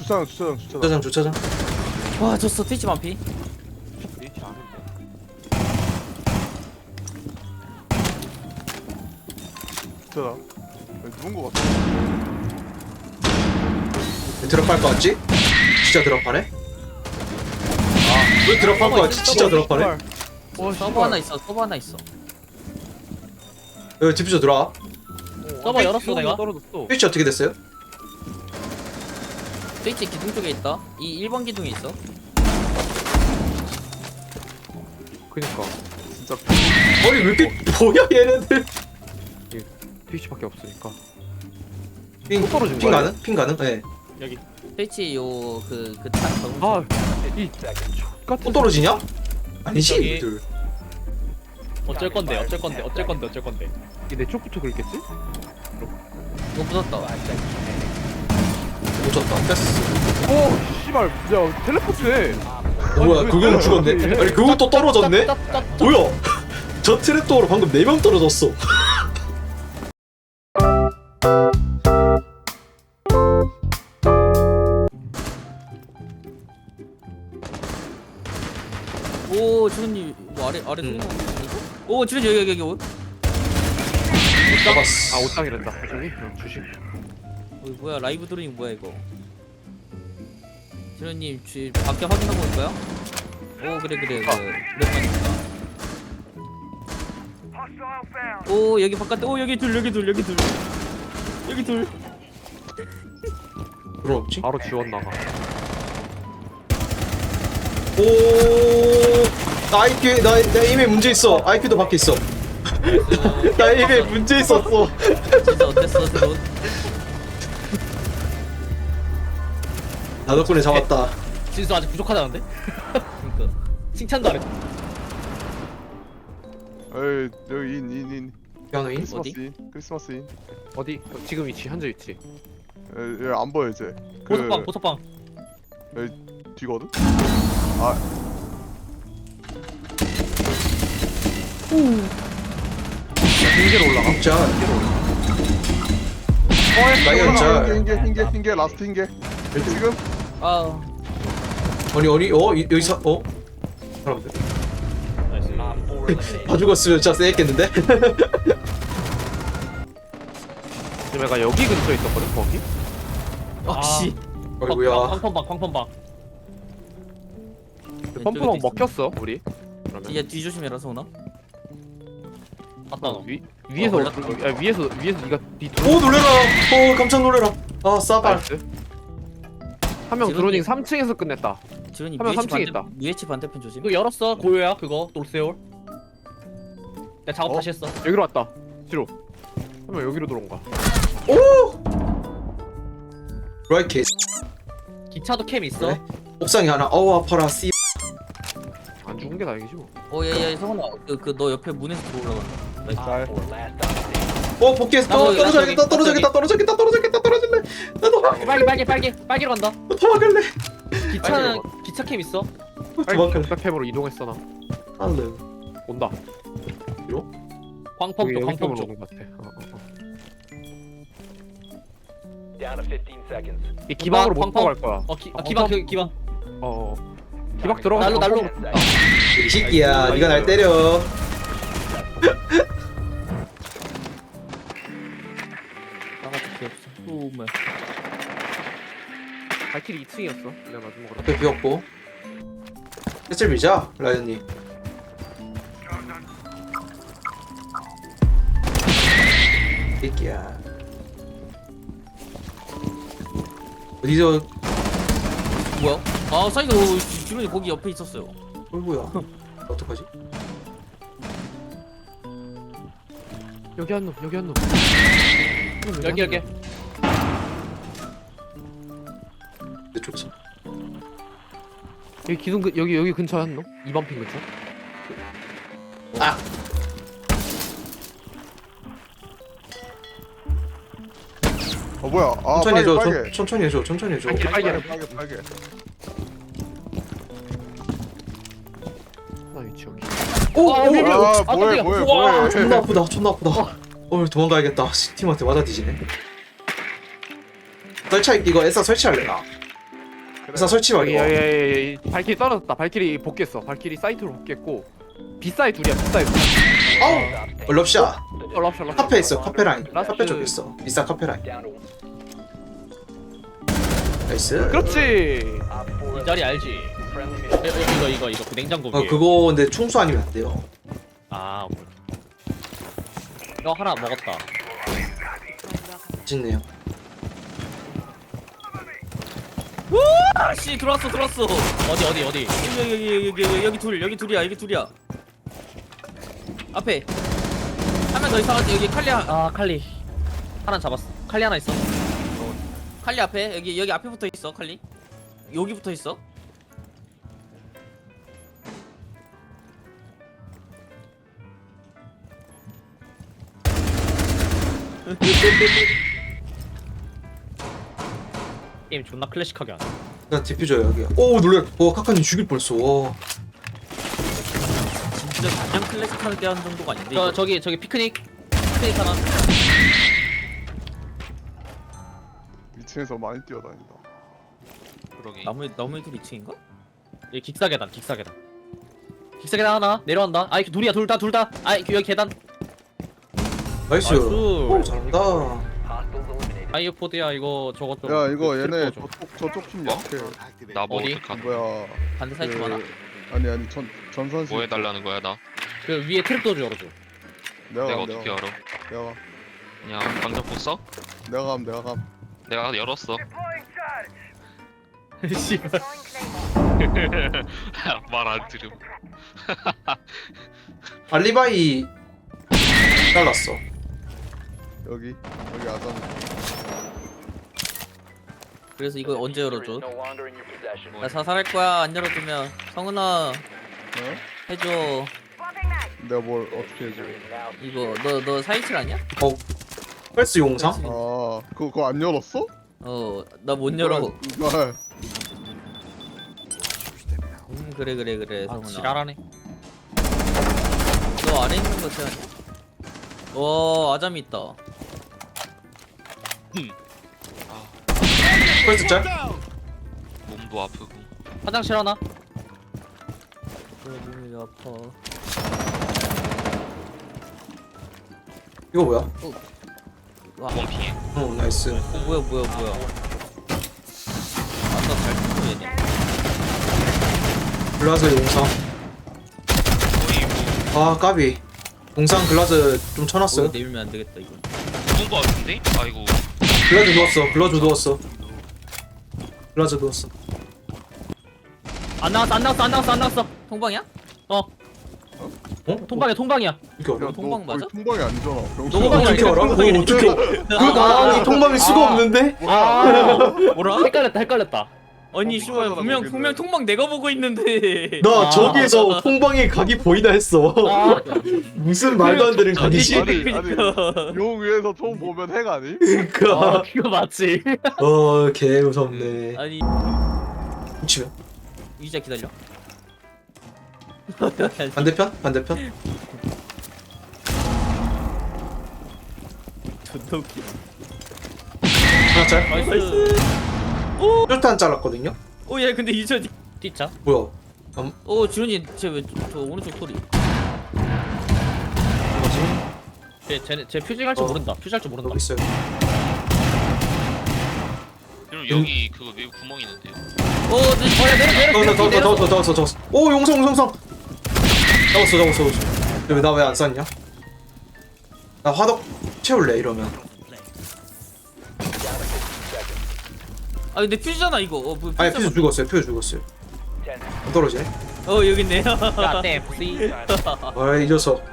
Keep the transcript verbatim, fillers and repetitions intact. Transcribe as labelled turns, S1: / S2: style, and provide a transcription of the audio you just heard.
S1: 주차장 주차장 주차장.
S2: 주차장 주차장.
S3: 와 졌어. 트위치 만피.
S4: H 아는데.
S1: 주차장. 여기 누군 거 같아.
S2: 드랍할 거 같지? 진짜 드랍하네? 왜 드랍할 거 같지? 진짜 드랍하네?
S4: 와
S3: 서버 하나 있어. 서버 하나 있어.
S2: 여기 디퓨저 들어와.
S3: 서버 열었어 내가.
S4: 떨어졌어.
S2: 스위치 어떻게 됐어요?
S3: 트위치 기둥 쪽에 있다. 이 일 번 기둥에 있어.
S4: 그니까
S1: 진짜
S2: 아니 왜 이렇게 뭐야 얘네들?
S4: 트위치밖에 없으니까.
S2: 핑
S4: 또 떨어진
S2: 핑
S4: 거야,
S2: 가능? 핑 가능? 네.
S4: 여기.
S3: 트위치 요그그탄
S4: 아, 이 같은.
S2: 또 떨어지냐? 아니지
S5: 저기-
S2: 얘들.
S5: 어쩔 건데 어쩔 건데 어쩔 건데 어쩔 건데
S4: 내 쪽부터 그랬겠지?
S3: 이거 붙었다.
S2: 못 쳤다. 패스.
S4: 오, 씨발, 야 텔레포트해.
S2: 어, 뭐야 그거는 죽었네. 아니 그거 또 떨어졌네? 뭐야? 저 트랩도어로 방금 네 명 떨어졌어.
S3: 오 지훈님 뭐 아래 아래
S2: 음.
S3: 쏘는 오 지훈 여기 여기 여기. 오.
S2: 잡았어.
S4: 아, 옷장이란다. 저기 응, 주식.
S3: 어, 뭐야 라이브 드로잉 뭐야 이거. 지훈님 지 밖에 확인하고 올까요? 오 그래 그래 그 오랜만이니까. 오 여기 바깥에 오 여기 둘 여기 둘 여기 둘 여기 둘.
S2: 그럼 없지?
S4: 바로 지원 나가.
S2: 오. 나 아이큐 나, 나 이메일 문제 있어. 아이큐도 밖에 있어. 나 이메일 문제 있었어.
S3: 진짜 어땠어 드론?
S2: 나 덕분에 잡았다.
S5: 진수 아직 부족하다는데?
S3: 그러니까
S5: 칭찬도 안 했어
S1: 에이 여기 인인인
S2: 피아노인?
S1: 크리스마스 인 크리스마스 인.
S4: 어디? 어, 지금 위치, 현재 위치.
S1: 에, 얘 안 보여 이제. 그
S5: 보석방 보석방
S1: 뒤거든. 아
S4: 흰개로 올라가.
S2: 진짜.
S1: 어,
S2: 나이가 진짜.
S1: 흰개 흰개 흰개 라스트 흰개. 지금
S3: 아
S2: 아니 아니 어 이- 여기서 어 사람들 다 죽었으면 진짜 쎄했겠는데?
S4: 지금 내가 여기 근처에 있었거든, 거기?
S3: 아씨
S2: 아이고야.
S5: 팡팡방 팡팡방
S4: 그 펌프방 먹혔어, 우리. 그러면.
S3: 뒤에 뒤 조심해라 소나.
S5: 맞다 너
S4: 위, 위에서,
S3: 어,
S4: 어,
S3: 걸렸다.
S4: 야, 위에서, 위에서 니가 니
S2: 오 놀래라. 오 깜짝 놀래라. 아 싸발.
S4: 한명
S3: 지금
S4: 드로닝
S3: 이-
S4: 삼 층에서 끝냈다.
S3: 지훈이
S4: 하면
S3: 유에이치
S4: 삼 층에
S3: 반대
S4: 있다.
S3: 유에이치 반대편 조심.
S5: 이거 열었어 고요야 그거 돌세올 내가 작업
S1: 어?
S5: 다시 했어
S4: 여기로 왔다. 뒤로. 한 명 여기로 들어온 거야.
S2: 라이 개.
S5: 기차도 캠 있어
S2: 그래? 옥상에 하나. 어우 아파라. 씨.
S4: 안 죽은 게 다행이지 뭐.
S3: 오야야 성훈아 그그 너 옆에 문에서 들어올라가.
S1: 잘.
S2: 어 복귀했어.
S3: 나도,
S2: 떨어져야겠다.
S3: 나도
S2: 떨어져야겠다. 떨어져야겠다. 떨어져야겠다. 떨어질래. 나도
S5: 빨개 빨개 빨개 빨개로 간다
S2: 도망갈래.
S5: 기차는 기차 캠 있어
S4: 빨리
S2: 도망갈래.
S4: 백팩으로 이동했어 나.
S2: 안돼.
S4: 온다.
S5: 광펑
S4: 여기
S5: 쪽
S4: 여기
S5: 광펑
S4: 쪽으로
S5: 쪽
S4: 오는 것 같아. 어, 어, 어.
S6: Down to fifteen seconds.
S4: 이 기방으로 못
S5: 광펑.
S4: 들어갈 거야.
S5: 어 기, 아, 기방 그 기방
S4: 어. 어. 기박 들어가.
S5: 날로 날로
S2: 이 새끼야. 네가 날 때려.
S3: 나같이 귀엽어. 오메.
S4: 발길이 이 층이었어. 내가 맞은 거라.
S2: 앞에 비었고. 패슬 밀자 라이언님. 새끼야. 어디서
S3: 뭐야? 아 사이가 지훈이 거기 옆에 있었어요.
S2: 어이구야. 어떡하지?
S4: 여기 한 놈. 여기 한 놈.
S5: 여기 여기
S2: 내 쪽에서.
S4: 여기 기둥 근 여기 여기 근처에 한 놈. 이 번 핀 근처.
S2: 아.
S1: 어 뭐야? 아
S2: 천천히
S1: 빨개
S2: 해줘.
S1: 빨개.
S2: 천- 천천히 해줘. 천천히 해줘.
S4: 빨개.
S1: 빨개 빨개 빨개.
S4: 나 위치 여기.
S2: 오! 오!
S1: 아 뭐해
S5: 깜짝이야.
S1: 뭐해
S5: 우와,
S1: 뭐해.
S2: 존나 아프다. 존나 아프다. 어 도망가야겠다. 씨, 팀한테 맞아 뒤지네. 설치할 이거 에사 설치할래 나. 일단 설치
S4: 여기
S2: 말고.
S4: 여기 여기 여기 발키리 떨어졌다. 발키리 복귀했어. 발키리 사이트로 복귀했고 비사이 둘이야. 비사이 둘.
S2: 아우. 어, 럽샷.
S4: 어, 럽샷 럽샷.
S2: 카페 있어. 카페 라인.
S4: 라스트.
S2: 카페 쪽에 있어. 비싸 카페 라인.
S6: Down to
S2: 나이스.
S4: 그렇지.
S6: Op four
S5: 이 자리 알지?
S6: friendly
S5: 여,
S6: mission.
S5: 여, 이거 이거 이거 그 냉장고
S2: 어
S5: 위에.
S2: 그거 근데 총수 아니면 안 돼요.
S5: 아 오케이. 이거 하나 먹었다.
S2: 맛있네요.
S5: 아씨 들어왔어 들어왔어. 어디 어디 어디. 여기 여기 여기 여기 여기 둘 여기 둘이야 여기 둘이야. 앞에 한 명 더 있어가지고 여기 칼리 하- 아 칼리 하나 잡았어. 칼리 하나 있어. 어. 칼리 앞에 여기 여기 앞에 붙어 있어 칼리. 여기 붙어 있어. 게임 존나 클래식하게 하네.
S2: 나 디퓨저야 여기. 오 놀래. 와 카카님 죽일 뻔했어. 와.
S5: 진짜 그냥 클래식하게 하는 정도가 아닌데. 저 저기 저기 피크닉 피크닉 하나.
S1: 이 층에서 많이 뛰어다닌다.
S3: 그러게.
S5: 나무 나무 들 이 층인가? 여기 기사 계단 기사 계단. 기사 계단 하나 내려간다. 아이 둘이야 둘 다 둘 다. 아이 여기 계단.
S2: 나이스.
S5: 나이스.
S2: 오 잘한다.
S6: Hostiles eliminated.
S5: 아이오포드야 이거 저거 좀.
S1: 야 이거
S5: 그
S1: 얘네
S5: 트리퍼 좀.
S1: 저쪽 저쪽 팀
S7: 어?
S1: 약해.
S7: 나뭐
S5: 어디?
S7: 어떡하
S1: 뭐야?
S5: 반대 사이트
S1: 그-
S5: 하나.
S1: 아니 아니 전 전선실.
S7: 뭐 해달라는 거야 나?
S5: 그 위에 트랩도어 열어줘.
S1: 내가
S7: 내가
S1: 감,
S7: 어떻게
S1: 내가
S7: 알아?
S1: 내가 감,
S7: 그냥 방정포 써?
S1: 내가 감 내가 감.
S7: 내가 열었어.
S5: 씨발.
S7: 말 안 들음.
S2: 알리바이 잘랐어.
S1: 여기 여기 아담.
S5: 그래서 이거 언제
S6: Diffuser
S5: 열어줘?
S6: is no longer in your possession.
S5: 나 사살할 거야 안 열어주면. 성은아
S1: 어?
S5: 해줘.
S1: 내가 뭘 어떻게 해줘?
S6: Now
S5: 이거 너 너 사이칠 아니야?
S2: 어. 펄스 용상?
S1: 아 그거 그거 안 열었어?
S5: 어 나 못 열어.
S1: 이걸
S5: 음 그래 그래 그래
S3: 아,
S5: 성은아.
S3: 지랄하네.
S5: 너 아래 있는 거 제가. 와 아잠이 있다.
S2: 펄스 짤?
S7: 몸도 아프고.
S5: 화장실 하나. 왜 몸이 아파.
S2: 이거 뭐야?
S5: 와,
S7: 원 피해.
S2: 어 나이스.
S5: 어, 뭐야 뭐야 뭐야. 아까 잘 듣고 얘네.
S2: 글라즈 용상.
S7: 거의 뭐
S2: 아 까비. 용상 글라즈 좀
S5: 어,
S2: 쳐놨어요.
S5: 내밀면 안 되겠다 이거.
S7: 죽은 거 같은데? 아이고.
S2: 글라즈 누웠어. 글라즈 누웠어. 글라즈 누웠어.
S5: 안 나왔어 안 나왔어 안 나왔어 안 나왔어. 통방이야? 어
S2: 어?
S5: 통방이야 통방이야.
S2: 이렇게 알아?
S1: 야,
S5: 통방
S1: 너
S5: 맞아?
S1: 거의 통방이 아니잖아. 병신아.
S5: 통방이
S2: 어떻게 알아? 어,
S5: 통방이
S2: 어떻게 그 나랑이 통방일 수가 없는데?
S5: 아 뭐라? 헷갈렸다 헷갈렸다. 아니
S1: 어,
S5: 씨발
S1: 그거잖아,
S5: 분명
S1: 거기는.
S5: 분명 통방 내가 보고 있는데.
S2: 나
S5: 아.
S2: 저기에서 통방의 각이 보이나 했어.
S5: 아.
S2: 무슨 말도 안 되는 각이지?
S1: 아니 아니
S5: 그러니까.
S1: 용 위에서 총 보면 핵 아니?
S2: 그니까.
S5: 아 그거 맞지.
S2: 어, 개 무섭네.
S5: 아니
S2: 치면
S5: 유지야 기다려.
S2: 반대편? 반대편?
S5: 존나 웃기.
S2: 하나 짤?
S5: 나이스.
S2: 쫄탄 잘랐거든요?
S5: 오얘 근데 이저 뛰자.
S2: 뭐야?
S5: 오 지훈이 쟤왜저 오른쪽 소리.
S2: 뭐지?
S5: 쟤 쟤네 쟤 퓨징 할 줄
S2: 어.
S5: 모른다. 퓨징 할 줄 모른다.
S2: 여기 있어요.
S7: 그럼 여기 그거 외부 구멍 있는데요.
S5: 오 내려 내려 내려
S2: 더, 더, 더,
S5: 내려.
S2: 더, 더, 더, 더, 더. 오, 용성, 용성! 잡았어, 잡았어, 잡았어. 나 왜 안 쐈냐? 나 화덕 채울래, 이러면.
S5: 아 근데 퓨즈잖아 이거. 어, 뭐,
S2: 아니,
S5: 퓨즈
S2: 퓨즈 죽었어요, 퓨즈 죽었어요.
S6: ten
S2: 안 떨어지네?
S5: 어 여기 있네.
S3: 야, 네, 부시.
S2: 아이, 이 녀석.